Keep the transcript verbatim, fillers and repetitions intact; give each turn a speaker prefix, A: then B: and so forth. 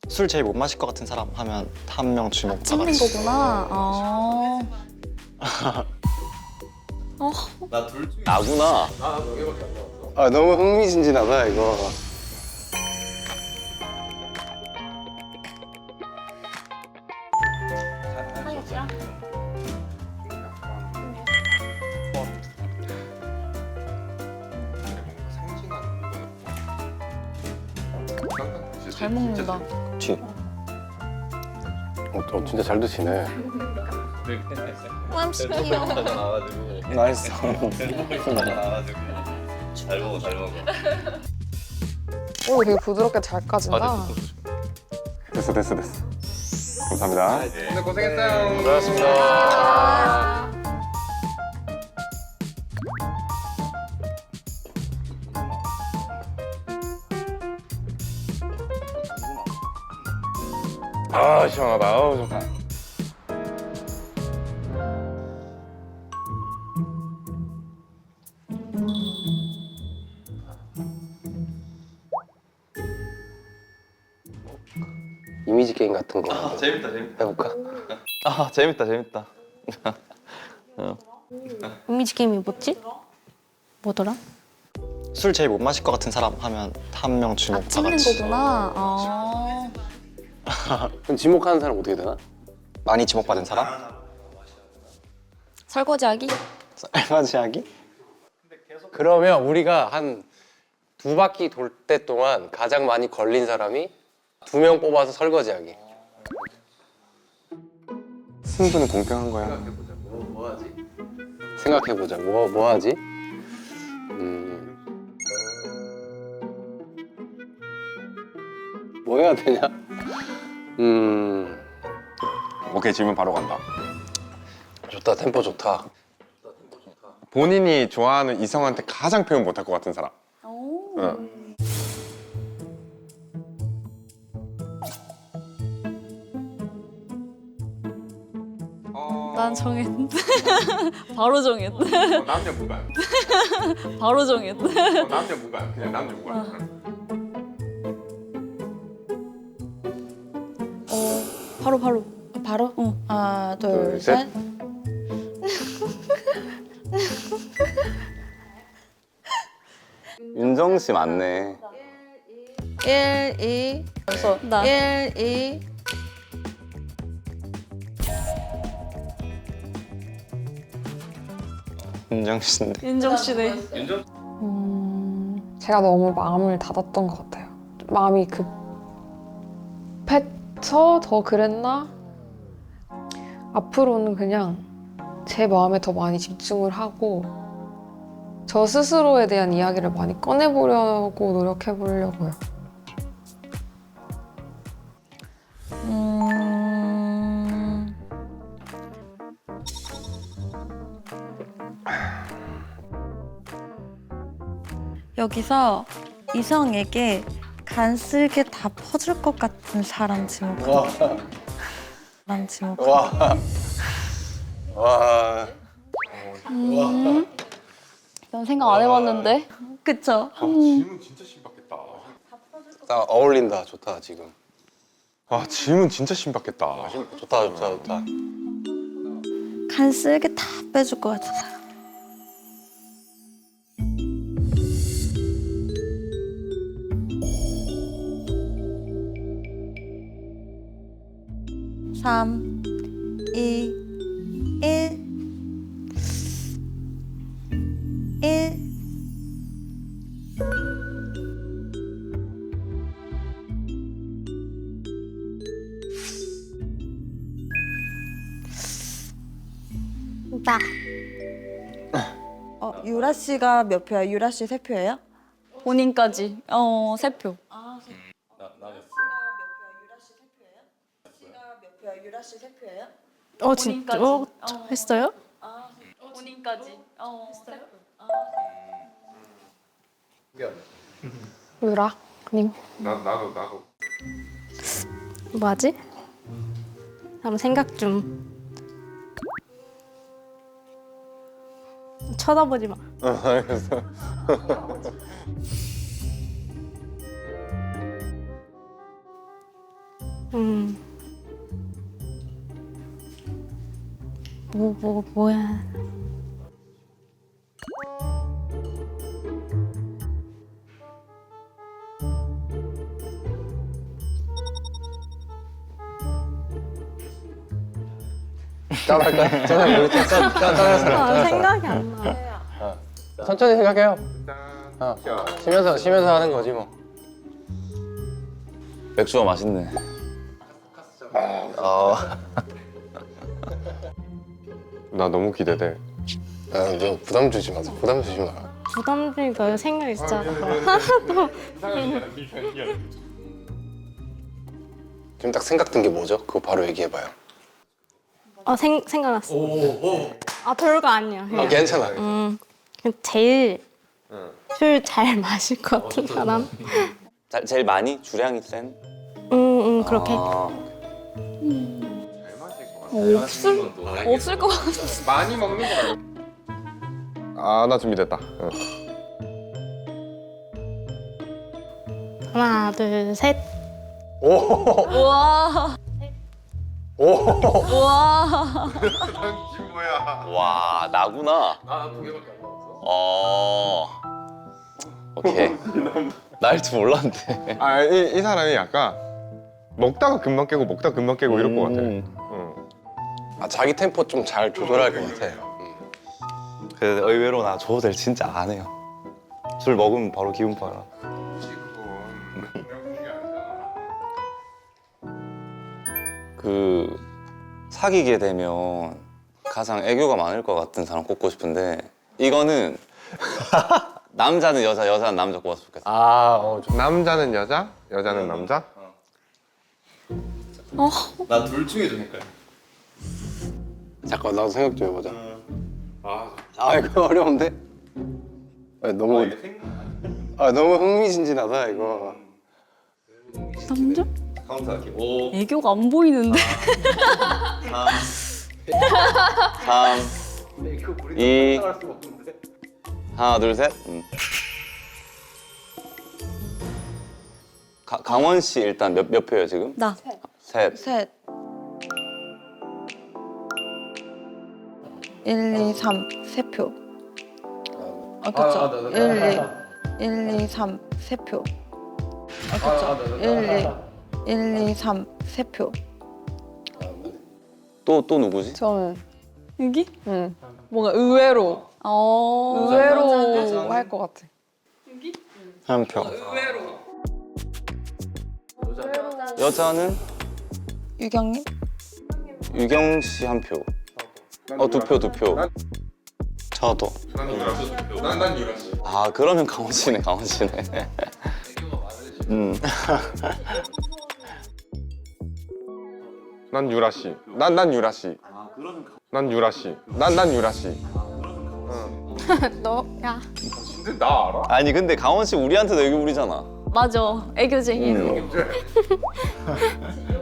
A: 술 제일 못 마실 것 같은 사람 하면 한 명 주목 다
B: 찍는
A: 같이.
B: 거구나. 어. 어.
C: 나구나.
D: 아 너무 흥미진진하다 이거.
B: 잘 먹는다.
A: 뒤.
D: 어, 어 진짜 잘 드시네.
B: 맘씨요.
A: 나이스.
C: 잘 먹어, 잘 먹어.
E: 오, 되게 부드럽게 잘 까진다.
D: 됐어 됐어 됐어. 감사합니다.
C: 오늘 고생했어요.
D: 고맙습니다. 아 시원하다. 아우 좋다. 이미지 게임 같은 거
C: 아, 재밌다, 재밌다.
D: 해볼까?
C: 아, 재밌다, 재밌다.
B: 이미지 게임이 뭐지? 뭐더라?
A: 술 제일 못 마실 것 같은 사람 하면 한 명
B: 아,
A: 주목 다
B: 찍는
A: 같이.
B: 거구나. 어.
D: 그럼 지목하는 사람 어떻게 되나?
A: 많이 지목받은 사람?
B: 설거지하기?
A: 설거지하기?
D: 그러면 우리가 한 두 바퀴 돌 때 동안 가장 많이 걸린 사람이 두 명 뽑아서 설거지하기. 승부는 공평한 거야. 생각해보자. 뭐, 뭐 하지? 생각해보자. 뭐, 뭐 하지? 음... 뭐 해야 되냐? 음...
F: 오케이, 질문 바로 간다.
D: 좋다. 템포 좋다.
F: 본인이 좋아하는 이성한테 가장 표현 못할 것 같은 사람.
B: 오.
F: 응.
B: 난 정했는데. 바로 정했네.
F: 어, 남녀 무관.
B: 바로 정했네.
F: 어, 남녀 무관. 그냥 남녀 무관.
B: 어, 바로 바로.
G: 바로?
B: 어.
G: 하나, 둘,
D: 둘, 셋.
G: 셋.
C: 윤정 씨 맞네.
G: 일, 이. 벌써.
B: 나.
G: 일, 이.
A: 윤정 씨인데.
B: 윤정 씨네.
E: 음, 제가 너무 마음을 닫았던 것 같아요. 마음이 급해서 더 그랬나? 앞으로는 그냥 제 마음에 더 많이 집중을 하고 저 스스로에 대한 이야기를 많이 꺼내보려고 노력해보려고요.
B: 음.
G: 여기서 이성에게 간쓸게 다 퍼줄 것 같은 사람 지목. 사람 지목.
D: 와. 와.
B: 음. 난 생각 안 해봤는데.
G: 그쵸?
F: 아, 질문 진짜 신박했다.
D: 나 어울린다. 좋다, 지금.
F: 아, 질문 진짜 신박했다.
D: 좋다, 좋다, 좋다.
G: 간쓸게 다 빼줄 것 같은 사람. 삼, 이, 일. 일.
B: 나.
G: 어, 유라 씨가 몇 표야? 유라 씨 세 표예요?
B: 본인까지. 어, 세 표.
G: 유라 씨 세 표예요?
B: 어, 진짜? 어, 했어요? 본인까지. 어, 했어요?
E: 유라님.
F: 나, 나도, 나도.
B: 뭐하지? 한번 생각 좀. 쳐다보지 마.
F: 어, 알겠어.
B: 음. 뭐, 뭐, 뭐야.
D: 짠할까요? 짠 우리 짠, 짠, 짠, 짠,
B: 아, 생각이 안 나.
D: 천천히 생각해요. 어, 쉬면서 쉬면서 하는 거지 뭐.
C: 맥주가 맛있네.
A: 어,
F: 나 너무 기대돼.
D: 아, 너 부담 주지 마. 부담 주지 마.
B: 부담 주니까 생각이 진짜
D: 지금 딱 생각든 게 뭐죠? 그거 바로 얘기해봐요.
B: 어, 생, 생각났어. 아, 별거 아니야.
D: 아,
B: 그냥.
D: 괜찮아.
B: 음, 그냥 제일 술 잘 마실 것 같은 사람?
C: 자, 제일 많이 주량이 센.
B: 응, 응, 그렇게.
C: 아,
B: 없을, 없을 것 같아.
F: 많이 먹는 거 말고. 아, 나 준비됐다. 응.
B: 하나, 둘, 셋. 우와.
D: 오.
B: 우와.
C: 와 나구나.
D: 나두 개밖에 안 나왔어.
C: 어. 오케이. 나일 줄 몰랐는데.
F: 아, 이, 이 사람이 약간 먹다가 금방 깨고 먹다가 금방 깨고 이럴 것 같아.
C: 음.
F: 응.
D: 아, 자기 템포 좀 잘 조절할 것 같아. 음.
C: 그 의외로 나 조절 진짜 안 해요. 술 먹으면 바로 기분 빨아. 그 사귀게 되면 가장 애교가 많을 것 같은 사람 꼽고 싶은데 이거는 남자는 여자, 여자는 남자 꼽았으면 좋겠어.
D: 아, 어, 좀.
F: 남자는 여자, 여자는 남자.
C: 나 둘 중에 좀 헷갈려.
D: 잠깐 나도 생각 좀 해보자. 아, 이거 어려운데? 아, 너무 아 너무 흥미진진하다 이거.
B: 남자?
C: 카운트 할게. 오,
B: 애교가 안 보이는데.
C: 삼, 이, 하나, 둘, 셋. 음. 가, 강원 씨 일단 몇, 몇 표예요 지금?
G: 나.
C: 셋.
G: 셋. 일, 이, 삼, 세 표. 아, 그쵸. 일, 이, 일, 이, 삼, 세 표. 아, 그쵸. 일, 이, 일, 이, 삼, 세 표.
C: 또, 또 누구지?
E: 저는
B: 여기?
E: 음, 뭔가 의외로
B: 어.
E: 의외로 할 것 같아.
A: 한 표.
C: 여자는
G: 유경님?
C: 유경 씨 한 표. 어, 두 표, 두 표.
A: 저도.
F: 난난 유라 씨.
C: 아, 그러면 강원 씨네, 강원 씨네. 음.
F: 난 유라 씨. 난 난 유라 씨. 난 유라 씨. 난 난 유라 씨.
B: 너, 야.
F: 근데 나 알아?
C: 아니, 근데 강원 씨 우리한테도 애교 부리잖아.
B: 맞아. 애교쟁이.
C: 음.